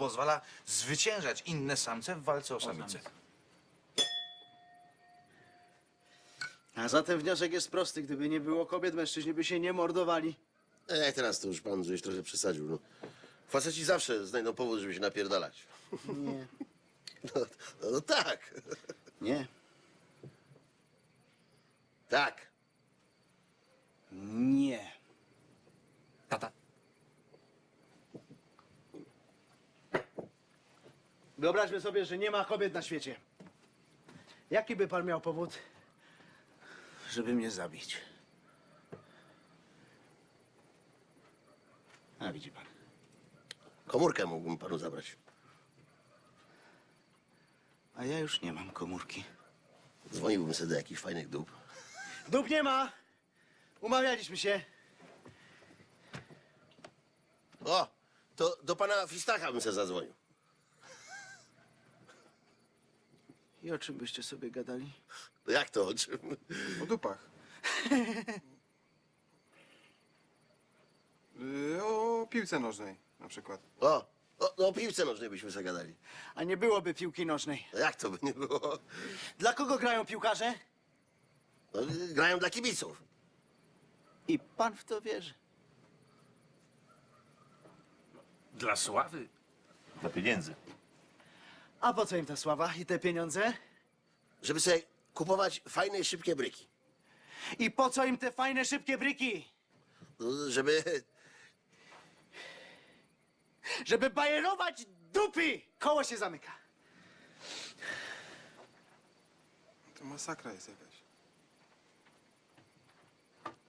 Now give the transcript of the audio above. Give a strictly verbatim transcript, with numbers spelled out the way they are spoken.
pozwala zwyciężać inne samce w walce o samicę. A zatem wniosek jest prosty. Gdyby nie było kobiet, mężczyźni by się nie mordowali. E, teraz to już pan żeś trochę przesadził. No. Faceci zawsze znajdą powód, żeby się napierdalać. Nie. No, no, no tak. Nie. Tak. Nie. Tata. Wyobraźmy sobie, że nie ma kobiet na świecie. Jaki by pan miał powód, żeby mnie zabić? A widzi pan. Komórkę mógłbym panu zabrać. A ja już nie mam komórki. Dzwoniłbym sobie do jakichś fajnych dup. Dup nie ma! Umawialiśmy się. O, to do pana Fistacha bym se zadzwonił. I o czym byście sobie gadali? No jak to, o czym? O dupach. Y, o piłce nożnej na przykład. O, o, no, o piłce nożnej byśmy se gadali. A nie byłoby piłki nożnej. No jak to by nie było? Dla kogo grają piłkarze? No, grają dla kibiców. I pan w to wierzy. Dla sławy. Dla pieniędzy. A po co im ta sława i te pieniądze? Żeby sobie kupować fajne i szybkie bryki. I po co im te fajne, szybkie bryki? No, żeby... Żeby bajerować dupy! Koło się zamyka. To masakra jest jakaś.